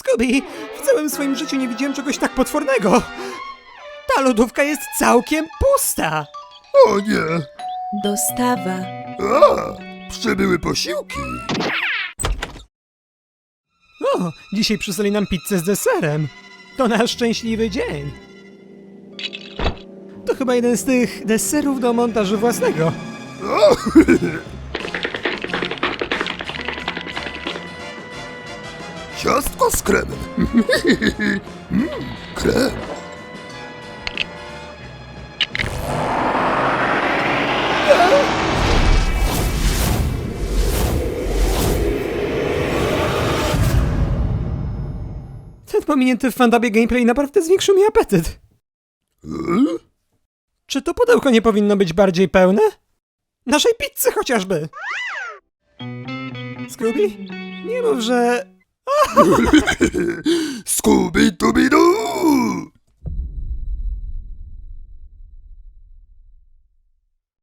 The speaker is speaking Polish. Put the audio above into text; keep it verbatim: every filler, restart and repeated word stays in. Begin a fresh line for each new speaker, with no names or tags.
Scooby, w całym swoim życiu nie widziałem czegoś tak potwornego. Ta lodówka jest całkiem pusta.
O nie!
Dostawa.
A! Przybyły posiłki!
O, dzisiaj przysłali nam pizzę z deserem. To nasz szczęśliwy dzień. To chyba jeden z tych deserów do montażu własnego.
O! Ciastko z kremem. mm, krem.
Ten pominięty w fandabie gameplay naprawdę zwiększył mi apetyt.
Hmm?
Czy to pudełko nie powinno być bardziej pełne? Naszej pizzy chociażby! Scooby? Nie mów, że...
Scooby-Dooby-Doo!